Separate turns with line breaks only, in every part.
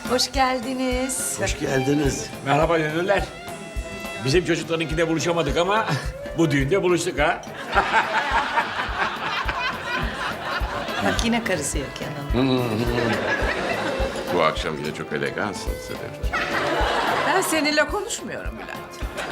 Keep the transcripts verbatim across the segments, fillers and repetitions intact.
Hoş geldiniz.
Hoş geldiniz.
Merhaba dönürler. Bizim çocuklarınkinde buluşamadık ama bu düğünde buluştuk ha.
Bak yine karısı yok yanında.
Bu akşam yine çok elegansın Sedef.
Ben seninle konuşmuyorum Bülent.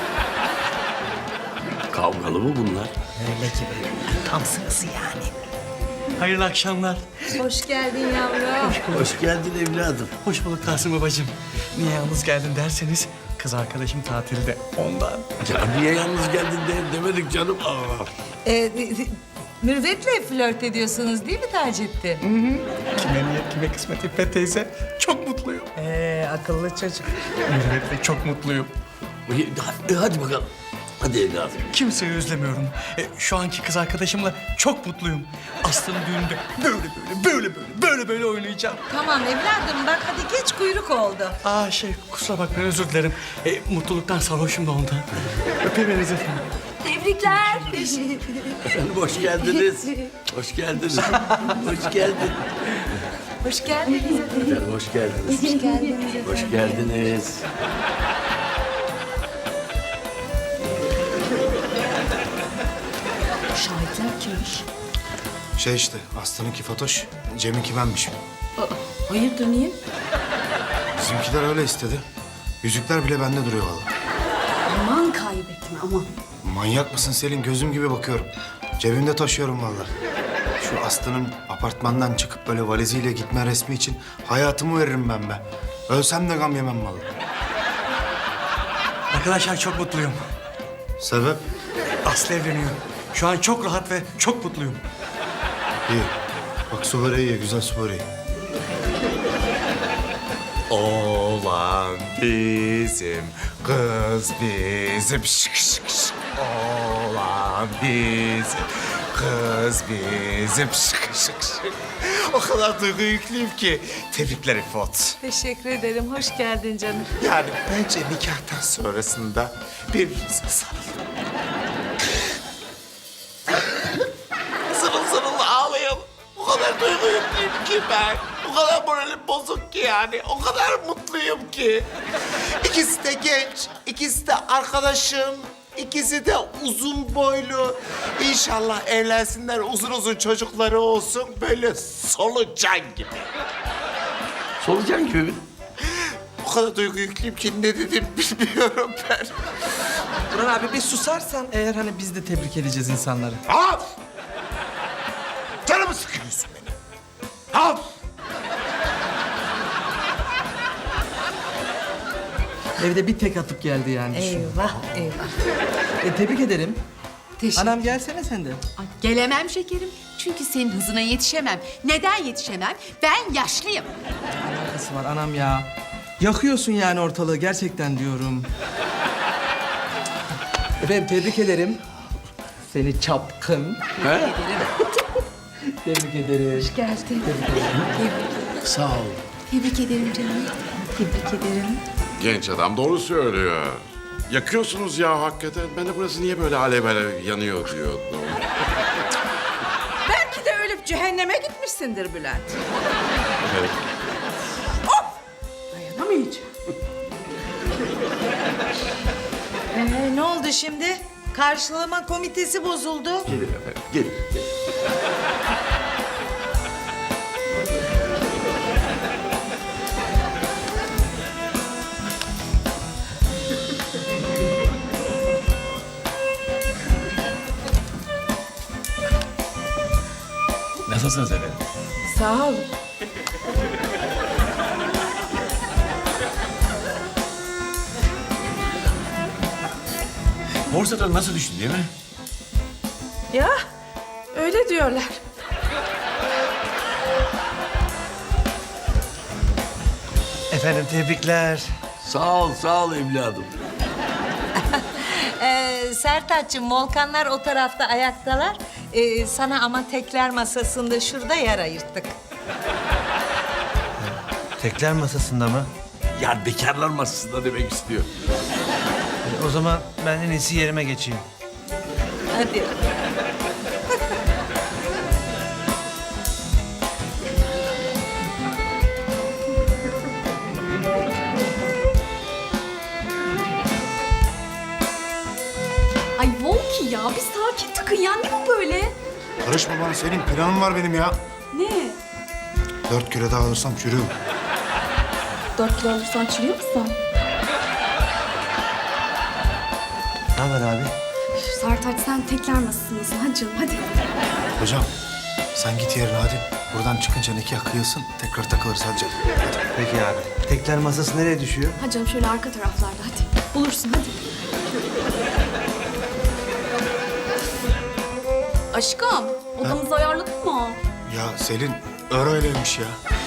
Kavgalı mı bunlar?
Öyle gibi. Tam sırası yani.
Hayırlı akşamlar.
Hoş geldin yavrum.
Hoş geldin evladım.
Hoş bulduk Tahsin babacığım. Niye yalnız geldin derseniz kız arkadaşım tatilde ondan.
Ya niye yalnız geldin de demedik canım. Aa.
Ee, Mürvet'le flört ediyorsunuz değil mi Taceddin?
Kime niyet kime kısmet İffet teyze. Çok mutluyum.
Ee, akıllı çocuk.
Mürvet'le çok mutluyum.
Hadi, hadi bakalım. Hadi evladım.
Kimseyi özlemiyorum. E, şu anki kız arkadaşımla çok mutluyum. Aslı'nın düğününde böyle böyle böyle böyle böyle böyle oynayacağım.
Tamam evladım bak hadi geç kuyruk oldu.
Aa şey kusura bakmayın özür dilerim. E, mutluluktan sarhoşum da ondan. Öpeyim efendim.
Tebrikler.
Efendim hoş geldiniz. Hoş geldiniz. Hoş geldin.
Hoş geldiniz.
Efendim hoş geldiniz.
Hoş geldiniz.
Hoş geldiniz.
Şahitler kimmiş?
Şey işte, Aslı'nınki Fatoş, Cem'inki benmişim.
Hayırdır niye?
Bizimkiler öyle istedi. Yüzükler bile bende duruyor vallahi.
Aman kaybetme aman.
Manyak mısın Selin? Gözüm gibi bakıyorum. Cebimde taşıyorum vallahi. Şu Aslı'nın apartmandan çıkıp böyle valiziyle gitme resmi için hayatımı veririm ben be. Ölsem de gam yemem vallahi.
Arkadaşlar çok mutluyum.
Sebep?
Aslı evleniyor. Şu an çok rahat ve çok mutluyum.
İyi. Bak su böreği ye, güzel su böreği.
Oğlan bizim, kız bizim. Şık şık şık. Oğlan bizim, kız bizim. Şık şık şık. O kadar duygu yüklüyüm ki. Tebrikler İfot.
Teşekkür ederim. Hoş geldin canım.
Yani bence nikahtan sonrasında birbirimize sarılın. Zırıl zırıl ağlayalım. O kadar duygu yüklüyüm ki ben. O kadar moralim bozuk ki yani. O kadar mutluyum ki. İkisi de genç, ikisi de arkadaşım. İkisi de uzun boylu. İnşallah evlensinler, uzun uzun çocukları olsun. Böyle solucan gibi.
Solucan gibi mi?
O kadar duygu yüklüyüm ki ne dedim bilmiyorum ben.
Burhan abi bir susarsan eğer hani biz de tebrik edeceğiz insanları.
Al! Canımı sıkıyorsun benim. Al!
Evde bir tek atıp geldi yani. düşün.
Eyvah eyvah.
E, tebrik ederim.
Teşekkür
Anam gelsene sen de.
Ay, gelemem şekerim. Çünkü senin hızına yetişemem. Neden yetişemem? Ben yaşlıyım.
Alakası var anam ya. Yakıyorsun yani ortalığı gerçekten diyorum. Efendim tebrik ederim. Seni çapkın.
He?
Tebrik ederim.
Hoş geldin.
Sağ ol.
Tebrik ederim canım. Tebrik ederim.
Genç adam doğru söylüyor. Yakıyorsunuz ya hakikaten. Ben de burası niye böyle alev alev yanıyor diyordum.
Belki de ölüp cehenneme gitmişsindir Bülent.
Evet.
Dayanamayacağım. Ee, ne oldu şimdi? Karşılama komitesi bozuldu.
Gelir efendim, gelir. gelir.
Nasılsınız efendim?
Sağ ol.
Borsada nasıl düştü değil mi?
Ya öyle diyorlar.
Efendim tebrikler.
Sağ ol, sağ ol evladım.
Ee, Sertaç'cığım Volkanlar o tarafta ayaktalar. Ee, sana ama tekler masasında şurada yer ayırttık.
Tekler masasında mı?
Ya bekarlar masasında demek istiyor.
E, o zaman ben en iyisi yerime geçeyim.
Hadi.
ya bir sakin takın ya ne bu böyle?
Karışma bana Selin. Planım var benim ya.
Ne?
Dört kilo daha alırsam çürüyorum.
Dört kilo alırsan çürüyor musun?
Ne haber abi?
Sertaç sen tekler masasındasın. Hadi canım hadi.
Hocam sen git yerine hadi. Buradan çıkınca nikah kıyılsın. Tekrar takılırız hadi canım. Hadi.
Peki abi. Tekler masası nereye düşüyor?
Hadi canım şöyle arka taraflarda hadi. Bulursun hadi. Aşkım odamızı ayarladın mı?
Ya Selin öyleymiş ya.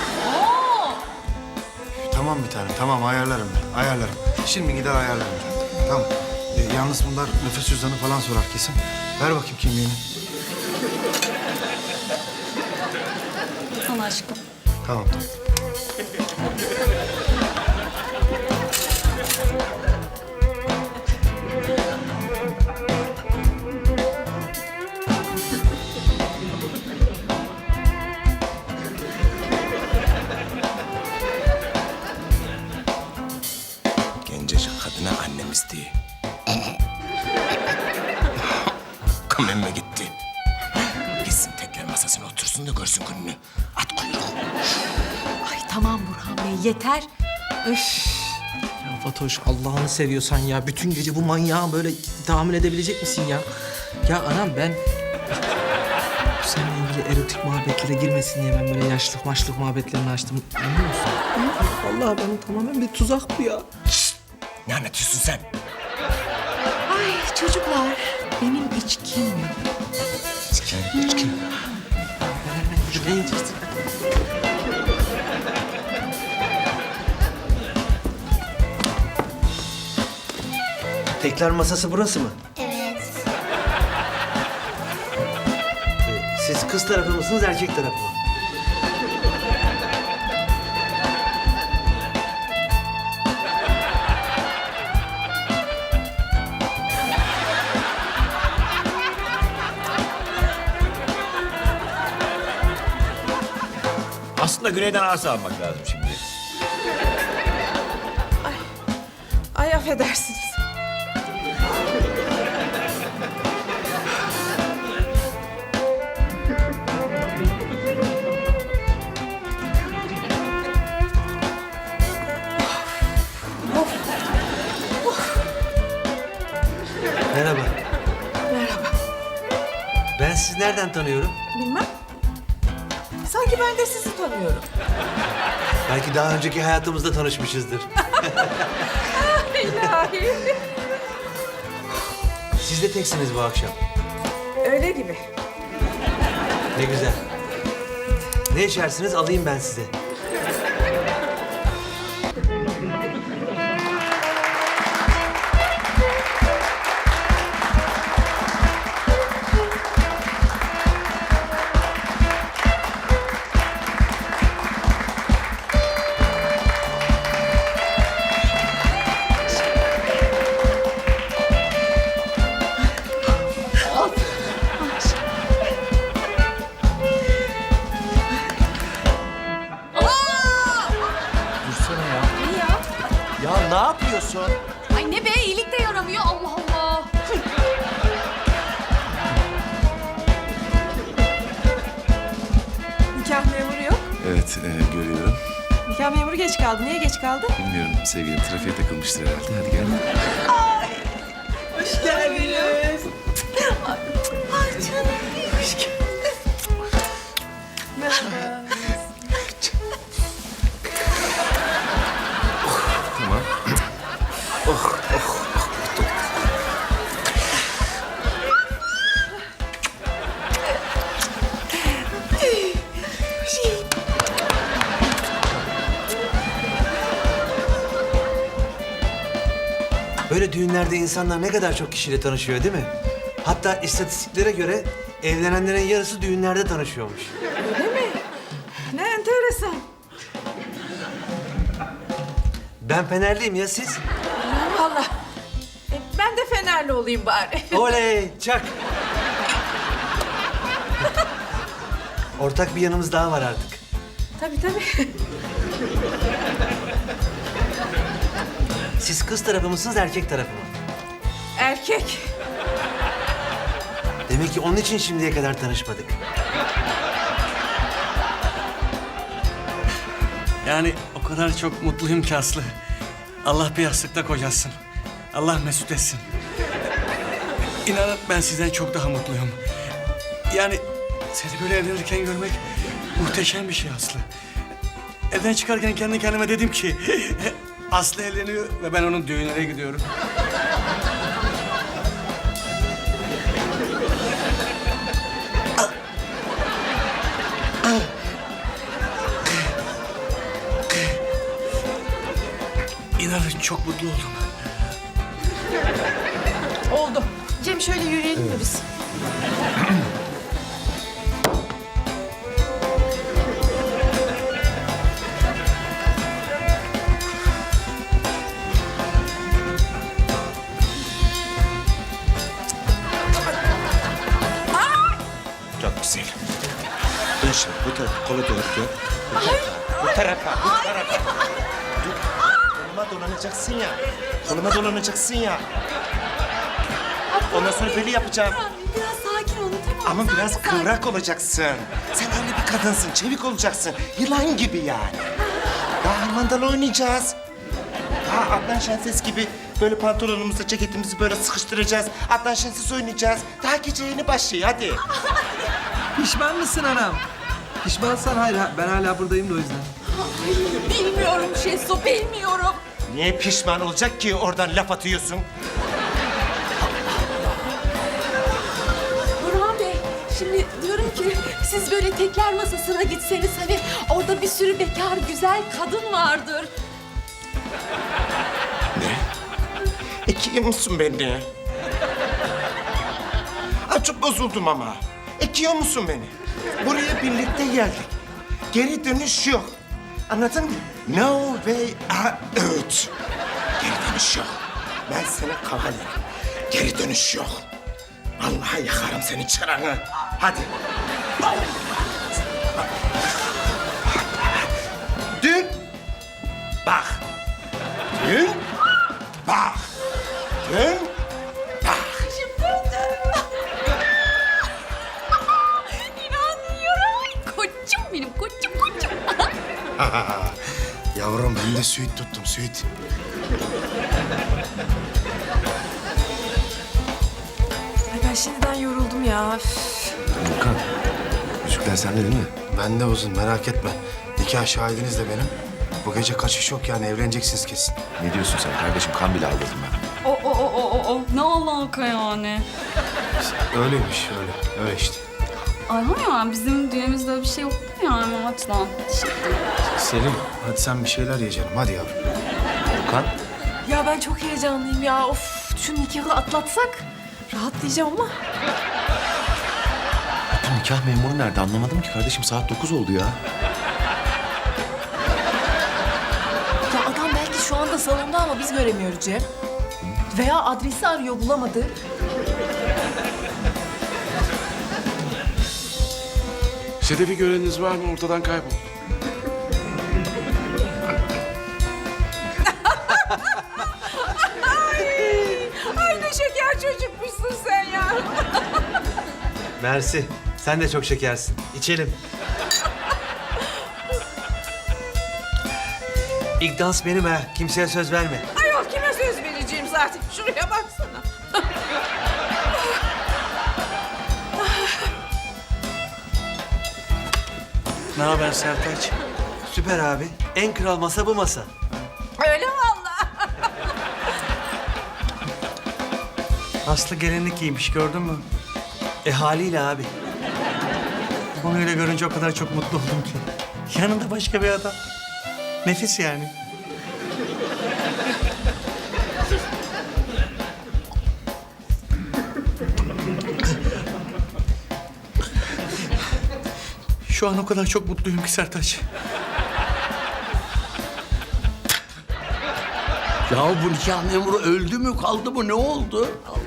Tamam bir tanem tamam ayarlarım ben ayarlarım. Şimdi gider ayarlarım ben. Tamam. Ee, yalnız bunlar nüfus cüzdanı falan sorar kesin. Ver bakayım kimliğini.
Sana aşkım.
Tamam tamam.
Gencecik kadına annem isteği. Kamemme gitti. Gitsin tekrar masasına otursun da görsün gününü. At kuyruğu.
Ay tamam Burhan Bey yeter. Üf.
Ya Fatoş Allah'ını seviyorsan ya. Bütün gece bu manyağı böyle tahammül edebilecek misin ya? Ya anam ben... Seninle ilgili erotik muhabbetlere girmesin diye ben böyle yaşlık maçlık muhabbetlerini açtım. Anlıyor musun? Vallahi benim tamamen bir tuzak bu ya.
Ne anlatıyorsun sen?
Ay çocuklar, benim içkim yok.
İçki, içki.
Ne yiyeceksin?
Tekler masası burası mı?
Evet.
Ee, Siz kız tarafı mısınız, erkek tarafı mı?
Aslında güneyden arsa almak lazım şimdi.
Ay affedersiniz.
Merhaba. Merhaba. Ben sizi nereden tanıyorum?
Bilmem. Sanki ben de sizi tanıyorum.
Belki daha önceki hayatımızda tanışmışızdır.
İlahi.
Siz de teksiniz bu akşam.
Öyle gibi.
Ne güzel. Ne içersiniz alayım ben size.
Ya ne yapıyorsun?
Ay ne be iyilik de yaramıyor Allah Allah.
Nikah memuru yok.
Evet, e, görüyorum.
Nikah memuru geç kaldı. Niye geç kaldı?
Bilmiyorum sevgilim, trafiğe takılmıştır herhalde. Hadi gel.
Hoş geldiniz. Ay canım. Hoş geldiniz. Merhaba.
Tamam.
Böyle düğünlerde insanlar ne kadar çok kişiyle tanışıyor değil mi? Hatta istatistiklere göre evlenenlerin yarısı düğünlerde tanışıyormuş.
Ne enteresan.
Ben Fenerliyim ya siz?
Vallahi. E, ben de Fenerli olayım bari.
Oley çak. Ortak bir yanımız daha var artık.
Tabii tabii.
Siz kız tarafı mısınız erkek tarafı mı?
Erkek.
Demek ki onun için şimdiye kadar tanışmadık.
Yani o kadar çok mutluyum ki Aslı. Allah bir yastıkta kocasın. Allah mesut etsin. İnanın ben sizden çok daha mutluyum. Yani seni böyle evlenirken görmek muhteşem bir şey Aslı. Evden çıkarken kendi kendime dedim ki... Aslı evleniyor ve ben onun düğününe gidiyorum. İnanın çok mutlu oldum.
Oldu. Cem şöyle yürüyelim mi biz?
Çok güzel. Dön şimdi bu tarafa, kola doğru dön. Bu tarafa, bu tarafa, bu tarafa. Dur. Koluma dolanacaksın ya. Koluma dolanacaksın ya. Ondan sonra böyle yapacağım.
Biraz sakin olun tamam mı?
Ama biraz kıvrak olacaksın. Sen öyle bir kadınsın, çevik olacaksın. Yılan gibi yani. Daha harmandalı oynayacağız. Daha Adnan Şenses gibi böyle pantolonumuzu, ceketimizi böyle sıkıştıracağız. Adnan Şenses oynayacağız. Daha gece yeni başlıyor, hadi.
Pişman mısın anam? Pişmansan hayır, ha- ben hala buradayım da o yüzden.
Bilmiyorum Şesu, bilmiyorum.
Niye pişman olacak ki oradan laf atıyorsun?
Burhan Bey, şimdi diyorum ki siz böyle tekler masasına gitseniz hani orada bir sürü bekar güzel kadın vardır.
Ekiyor musun beni? Ay çok bozuldum ama. Ekiyor musun beni? Buraya birlikte geldik. Geri dönüş yok. Anladın mı? No way out. Geri dönüş yok. Ben seni kovalarım. Geri dönüş yok. Vallahi yakarım senin çıranı. Hadi. Dün. Bak. Dün. Bak. Dün. Bak.
İnanmıyorum. Koçum benim, koçum koçum.
Yavrum ben de süit tuttum süit.
Ay ben şimdiden yoruldum ya.
Volkan, yüzükler sende değil mi?
Ben de uzun merak etme. Nikah şahidiniz de benim. Bu gece kaçış yok yani evleneceksiniz kesin.
Ne diyorsun sen kardeşim? Kan bile aldırdım ben.
O o o o o o. Ne alaka yani?
Öyleymiş öyle. Öyle işte.
Ayhan ya bizim düğünümüzde öyle bir şey yoktu yani o açıdan.
Selim hadi sen bir şeyler ye canım hadi yavrum.
Volkan,
Ya ben çok heyecanlıyım ya. Of şu nikahı atlatsak rahatlayacağım ama.
bu nikah memuru nerede? Anlamadım ki kardeşim. Saat dokuz oldu ya.
Ya adam belki şu anda salonda ama biz göremiyoruz Cem. Veya adresi arıyor bulamadı.
Sedef'i göreniniz var mı? Ortadan kayboldu.
Ay ne şeker çocukmuşsun sen ya.
Mersi. Sen de çok şekersin. İçelim. İlk dans benim ha. Kimseye söz verme.
Ayol kime söz vereceğim zaten. Şuraya baksana.
Ne haber Sertaç?
Süper abi. En kral masa bu masa.
Öyle vallahi.
Aslı gelinlik giymiş gördün mü?
E haliyle abi.
Onu öyle görünce o kadar çok mutlu oldum ki. Yanında başka bir adam. Nefis yani. Şu an o kadar çok mutluyum ki Sertaç.
Ya bu nikah memuru öldü mü kaldı mı ne oldu?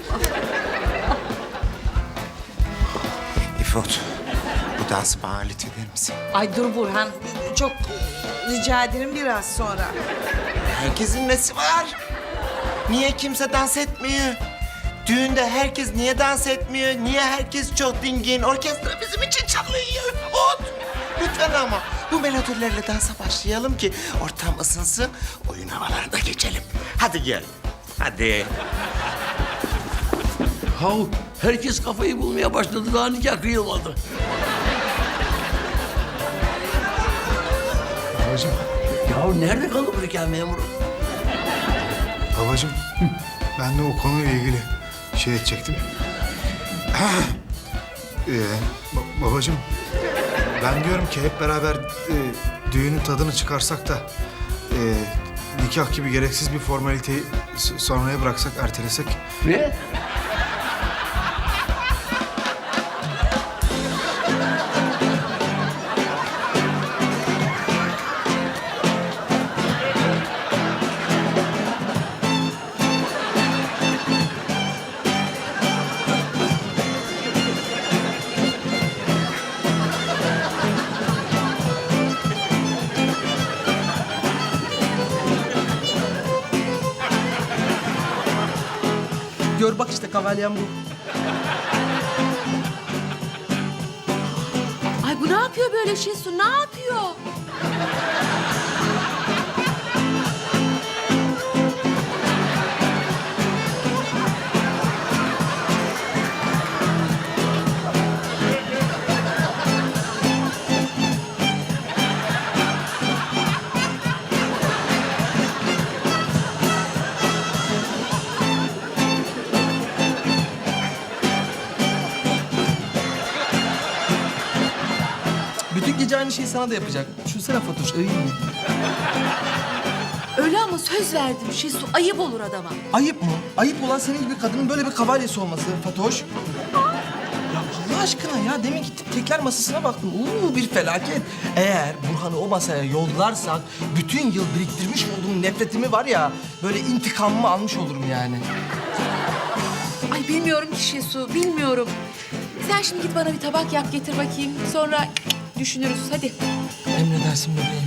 İfot, bu dansı bana lütfeder misin?
Ay dur Burhan, çok rica ederim biraz sonra.
Herkesin nesi var? Niye kimse dans etmiyor? Düğünde herkes niye dans etmiyor? Niye herkes çok dingin? Orkestra bizim için çalıyor. Ot. Lütfen ama bu melodilerle dansa başlayalım ki ortam ısınsın, oyun havalarına geçelim. Hadi gel. Hadi.
Hav, herkes kafayı bulmaya başladı. Daha nikah kıyılmadı.
Babacığım,
Ya nerede kaldı bu nikah memuru?
babacığım. Ben de o konuyla ilgili şey edecektim. ee, ba- babacığım, ben diyorum ki hep beraber e, düğünün tadını çıkarsak da e, nikah gibi gereksiz bir formaliteyi s- sonraya bıraksak, ertelesek.
Ne?
Gör bak işte kavalyem bu.
Ay bu ne yapıyor böyle Şesu? Ne yapıyor?
Bütün gece aynı şeyi sana da yapacak. Düşünsene Fatoş. Ay.
Öyle ama söz verdim Şesu. Ayıp olur adama.
Ayıp mı? Ayıp olan senin gibi kadının böyle bir kavalyesi olması Fatoş. Ya Allah aşkına ya demin gittim tekler masasına baktım. Uuu bir felaket. Eğer Burhan'ı o masaya yollarsak bütün yıl biriktirmiş olduğum nefretimi var ya böyle intikamımı almış olurum yani.
Ay bilmiyorum ki Şesu, bilmiyorum. Sen şimdi git bana bir tabak yap getir bakayım. Sonra düşünürüz. Hadi.
Emredersin bebeğim.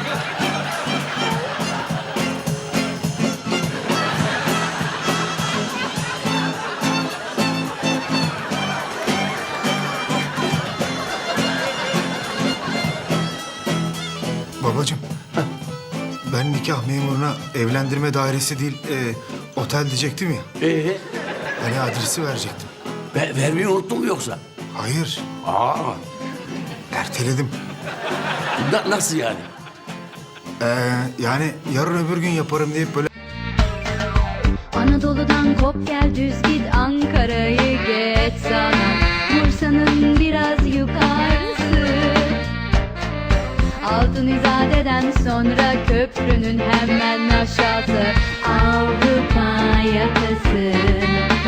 Babacığım, ben nikah memuruna evlendirme dairesi değil, e, otel diyecektim ya.
Ee,
Hani adresi verecektim.
ver, vermeyi unuttun mu yoksa?
Hayır,
Aa,
erteledim.
na- nasıl yani?
Ee, yani yarın öbür gün yaparım deyip böyle
Anadolu'dan kop gel düz git Ankara'yı geç sana Bursa'nın biraz yukarısı Altın İzade'den sonra köprünün hemen aşağısı Avrupa yakası